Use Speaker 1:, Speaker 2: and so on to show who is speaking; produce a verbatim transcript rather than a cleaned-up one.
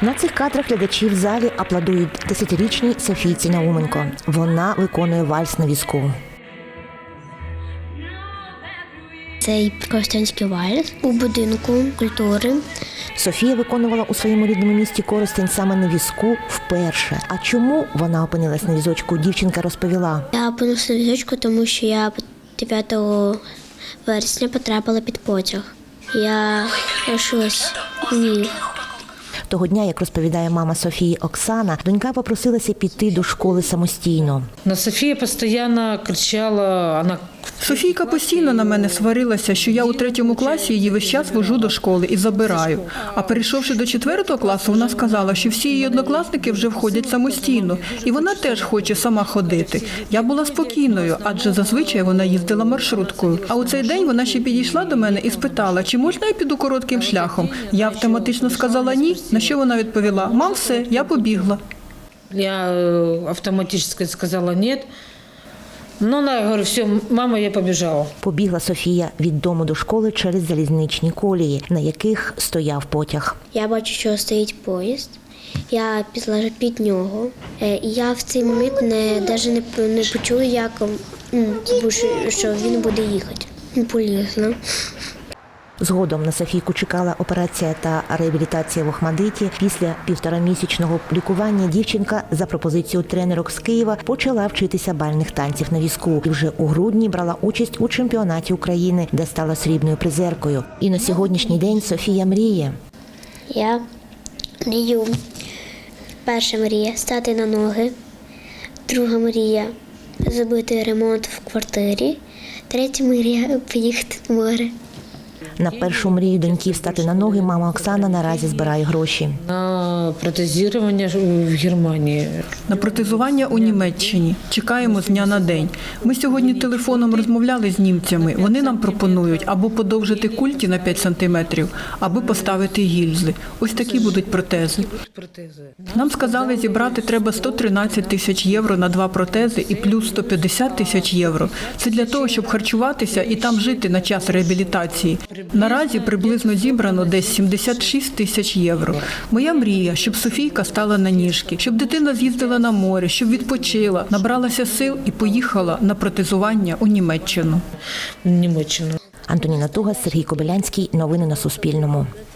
Speaker 1: На цих кадрах глядачі в залі аплодують десятирічній Софійці Науменко. Вона виконує вальс на візку.
Speaker 2: Цей коростенський вальс у будинку культури.
Speaker 1: Софія виконувала у своєму рідному місті Коростень саме на візку вперше. А чому вона опинилась на візочку, дівчинка розповіла.
Speaker 2: Я опинилася на візочку, тому що я дев'ятого вересня потрапила під потяг. Я лишилась ні.
Speaker 1: Того дня, як розповідає мама Софії Оксана, донька попросилася піти до школи самостійно.
Speaker 3: На Софія постійно кричала, вона...
Speaker 4: Софійка постійно на мене сварилася, що я у третьому класі її весь час вожу до школи і забираю. А перейшовши до четвертого класу, вона сказала, що всі її однокласники вже входять самостійно, і вона теж хоче сама ходити. Я була спокійною, адже зазвичай вона їздила маршруткою. А у цей день вона ще підійшла до мене і спитала, чи можна я піду коротким шляхом. Я автоматично сказала ні, на що вона відповіла: «Мам, все, я побігла».
Speaker 3: Я автоматично сказала ні. Ну, я говорю, все, мама, я побіжала.
Speaker 1: Побігла Софія від дому до школи через залізничні колії, на яких стояв потяг.
Speaker 2: Я бачу, що стоїть поїзд. Я пішла під нього. І я в цей момент не, навіть не, не почула, як, що він буде їхати. Полізла.
Speaker 1: Згодом на Софійку чекала операція та реабілітація в Охмадиті. Після півторамісячного лікування дівчинка за пропозицією тренерок з Києва почала вчитися бальних танців на візку. І вже у грудні брала участь у чемпіонаті України, де стала срібною призеркою. І на сьогоднішній день Софія мріє.
Speaker 2: Я мрію. Перша мрія – стати на ноги. Друга мрія – зробити ремонт в квартирі. Третя мрія – поїхати в море.
Speaker 1: На першу мрію доньки встати на ноги мама Оксана наразі збирає гроші.
Speaker 3: На протезування в Германії.
Speaker 4: На протезування у Німеччині. Чекаємо з дня на день. Ми сьогодні телефоном розмовляли з німцями. Вони нам пропонують або подовжити культі на п'ять сантиметрів, або поставити гільзи. Ось такі будуть протези. Нам сказали, зібрати треба сто тринадцять тисяч євро на два протези і плюс сто п'ятдесят тисяч євро. Це для того, щоб харчуватися і там жити на час реабілітації. Наразі приблизно зібрано десь сімдесят шість тисяч євро. Моя мрія, щоб Софійка стала на ніжки, щоб дитина з'їздила на море, щоб відпочила, набралася сил і поїхала на протезування у Німеччину.
Speaker 3: Німеччину.
Speaker 1: Антоніна Тугас, Сергій Кобилянський. Новини на Суспільному.